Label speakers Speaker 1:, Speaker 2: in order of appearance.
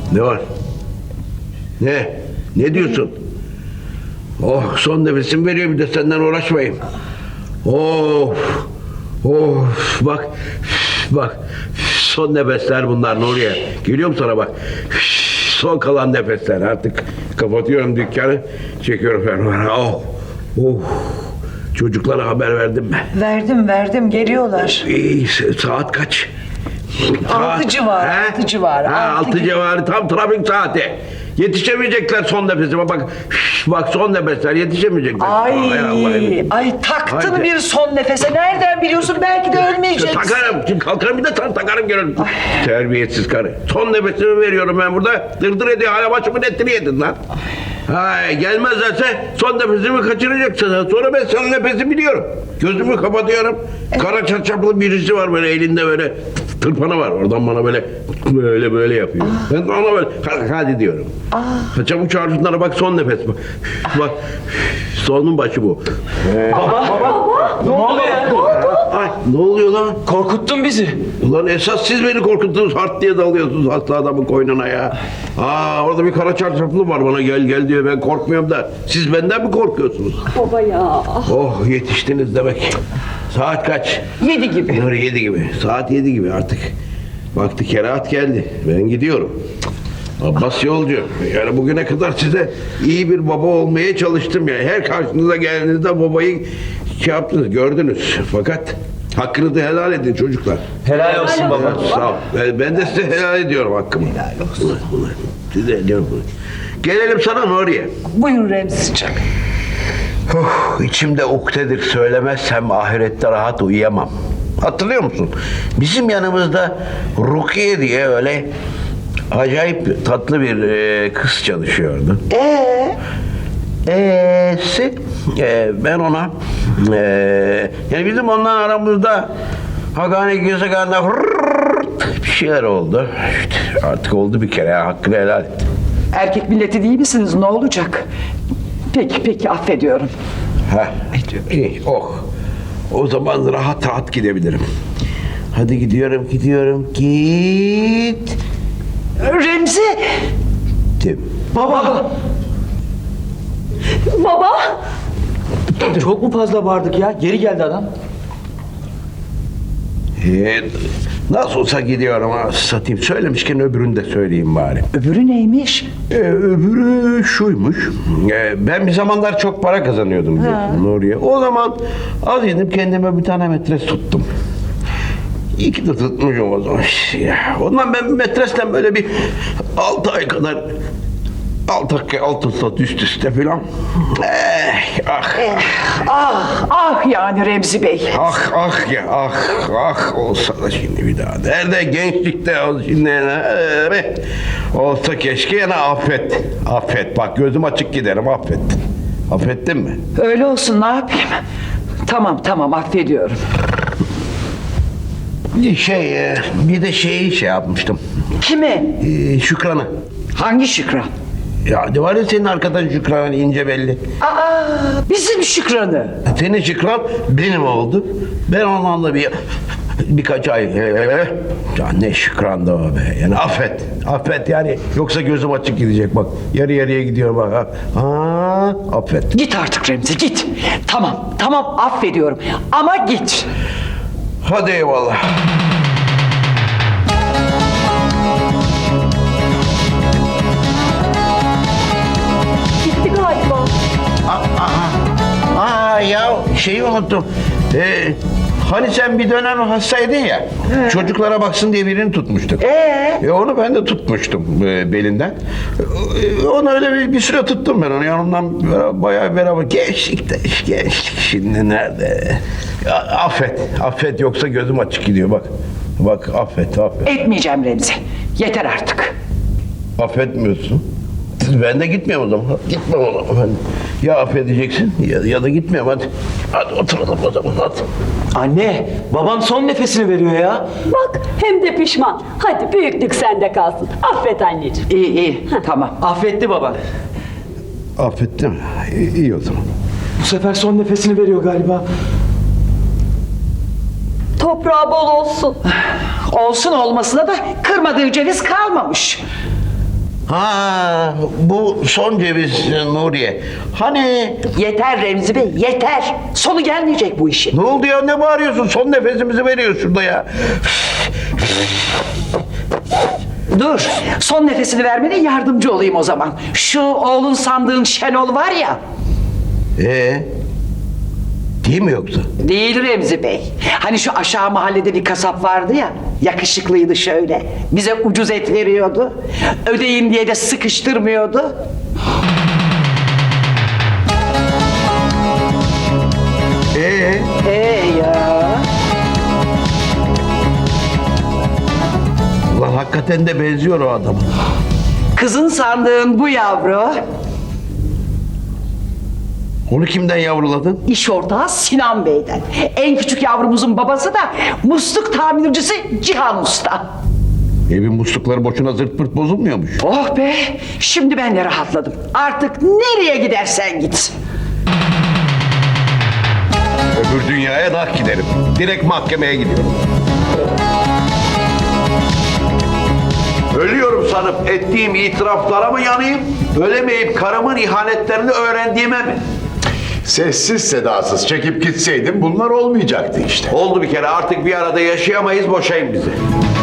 Speaker 1: Ne var? Ne? Ne diyorsun? Oh, son nefesimi veriyor, bir de senden uğraşmayayım. Of. Of, bak. Son nefesler bunlar Nuriye. Geliyorum sana bak. Son kalan nefesler. Artık kapatıyorum dükkanı. Çekiyorum fermuarı. Oh. Çocuklara haber verdin mi?
Speaker 2: Verdim geliyorlar.
Speaker 1: Saat kaç?
Speaker 2: 6 civarı. 6 civarı.
Speaker 1: 6 civarı, tam trafik saati. Yetişemeyecekler son nefesime bak son nefesler yetişemeyecekler.
Speaker 2: Ay taktın
Speaker 1: Haydi.
Speaker 2: bir son nefese. Nereden biliyorsun? Belki de ölmeyeceksin.
Speaker 1: Takarım. Şimdi kalkarım bir de takarım görürüm. Terbiyesiz karı. Son nefesimi veriyorum ben burada. Dırdır ediyor. Hala başımın etini yedin lan. Gelmezlerse son nefesimi kaçıracaksın. Sonra ben son nefesi biliyorum. Gözümü kapatıyorum. Kara çarşaflı birisi var böyle elinde böyle tırpanı var. Oradan bana böyle yapıyor. Ben ona böyle hadi diyorum. Çabuk çağır şunlara bak son nefes. Bak sonun başı bu.
Speaker 3: Baba. Ne oluyor?
Speaker 1: Ay, ne oluyor lan?
Speaker 3: Korkuttun bizi.
Speaker 1: Ulan esas siz beni korkuttunuz, hart diye dalıyorsunuz hasta adamın koynuna ya. Orada bir kara çarşaflı var, bana gel diyor, ben korkmuyorum da siz benden mi korkuyorsunuz?
Speaker 4: Baba ya.
Speaker 1: Oh, yetiştiniz demek. Saat kaç?
Speaker 2: 7 gibi.
Speaker 1: Nuri 7 gibi. Saat 7 gibi artık. Vakti kerahat geldi. Ben gidiyorum. Abbas yolcu. Yani bugüne kadar size iyi bir baba olmaya çalıştım ya. Her karşınıza geldiğinizde babayı yaptınız, gördünüz. Fakat hakkınızı helal edin çocuklar.
Speaker 3: Helal olsun baba.
Speaker 1: Sağ ol. Ben de size helal ediyorum hakkımı. Helal olsun. Size ediyorum. Gelelim sana Nuriye.
Speaker 2: Buyurun Remzi'ciğim.
Speaker 1: İçimde ukdedir, söylemezsem ahirette rahat uyuyamam. Hatırlıyor musun? Bizim yanımızda Rukiye diye öyle acayip tatlı bir kız çalışıyordu. Ben ona yani bizim ondan aramızda Hagani Gezeganda bir şeyler oldu. İşte artık oldu bir kere, hakkını helal et.
Speaker 2: Erkek milleti değil misiniz? Ne olacak? Peki affediyorum.
Speaker 1: İyi, o zaman rahat gidebilirim. Hadi gidiyorum. Git.
Speaker 2: Remzi!
Speaker 3: Baba.
Speaker 4: Baba.
Speaker 3: Çok mu fazla bağırdık ya? Geri geldi adam.
Speaker 1: Nasıl olsa gidiyorum, satayım. Söylemişken öbürünü de söyleyeyim bari.
Speaker 2: Öbürü neymiş?
Speaker 1: Öbürü şuymuş. Ben bir zamanlar çok para kazanıyordum Nuriye. O zaman az yedim, kendime bir tane metres tuttum. İyi ki de tutmuşum o zaman. Ondan ben metresle böyle bir 6 ay kadar altı saat üst üste filan.
Speaker 2: Yani Remzi Bey.
Speaker 1: Olsa da şimdi bir daha. Nerede gençlikte şimdi olsa keşke, yine affet. Bak gözüm açık giderim, affet. Affettin mi?
Speaker 2: Öyle olsun, ne yapayım? Tamam affediyorum.
Speaker 1: Bir de şeyi yapmıştım.
Speaker 2: Kimi?
Speaker 1: Şükran'ı.
Speaker 2: Hangi Şükran?
Speaker 1: Ya ne var ya senin arkadaşın Şükran, ince belli.
Speaker 2: Bizim Şükran'ı.
Speaker 1: Senin Şükran benim oldu. Ben onunla birkaç ay... Ya ne Şükran da o be. Yani affet yani. Yoksa gözüm açık gidecek bak. Yarıya gidiyorum bak. Affet.
Speaker 2: Git artık Remzi, git. Tamam affediyorum. Ama git.
Speaker 1: Hadi eyvallah.
Speaker 4: Gitti galiba.
Speaker 1: Ya şeyi unuttum. Hani sen bir dönem hastaydın ya. Çocuklara baksın diye birini tutmuştuk. Onu ben de tutmuştum belinden. Onu öyle bir süre tuttum ben onu. Yanımdan bayağı beraber. Gençlik şimdi nerede? Affet yoksa gözüm açık gidiyor bak affet.
Speaker 2: Etmeyeceğim Remzi. Yeter artık.
Speaker 1: Affetmiyorsun. Ben de gitmiyorum o zaman. Gitmem o zaman ben. Ya affedeceksin ya da gitmiyorum hadi. Hadi oturalım o zaman hadi.
Speaker 3: Anne, babam son nefesini veriyor ya.
Speaker 4: Bak hem de pişman. Hadi büyüklük sende kalsın. Affet anneciğim.
Speaker 2: İyi tamam.
Speaker 3: Affetti baba.
Speaker 1: Affettim. İyi o zaman.
Speaker 3: Bu sefer son nefesini veriyor galiba.
Speaker 4: Toprağı bol olsun.
Speaker 2: Olsun olmasına da kırmadığı ceviz kalmamış.
Speaker 1: Ha, bu son ceviz Nuriye. Hani
Speaker 2: Yeter Remzi Bey, yeter. Sonu gelmeyecek bu işin.
Speaker 1: ne oldu ya, ne bağırıyorsun? Son nefesimizi veriyoruz şurada ya.
Speaker 2: Dur, son nefesini vermene yardımcı olayım o zaman. Şu oğlun sandığın Şenol var ya.
Speaker 1: Değil mi yoksa?
Speaker 2: Değil Remzi Bey. Hani şu aşağı mahallede bir kasap vardı ya. Yakışıklıydı şöyle. Bize ucuz et veriyordu. Ödeyin diye de sıkıştırmıyordu. Ya.
Speaker 1: Ulan hakikaten de benziyor o adama.
Speaker 2: Kızın sandığın bu yavru.
Speaker 1: Onu kimden yavruladın?
Speaker 2: İş ortağı Sinan Bey'den. En küçük yavrumuzun babası da musluk tamircisi Cihan Usta.
Speaker 1: Evin muslukları boşuna zırt pırt bozulmuyormuş.
Speaker 2: Oh be! Şimdi ben de rahatladım. Artık nereye gidersen git.
Speaker 1: Öbür dünyaya dah giderim. Direkt mahkemeye gidiyorum. Ölüyorum sanıp ettiğim itiraflara mı yanayım? Ölemeyip karımın ihanetlerini öğrendiğime mi?
Speaker 5: Sessiz sedasız çekip gitseydin bunlar olmayacaktı işte.
Speaker 1: Oldu bir kere, artık bir arada yaşayamayız, boşayın bizi.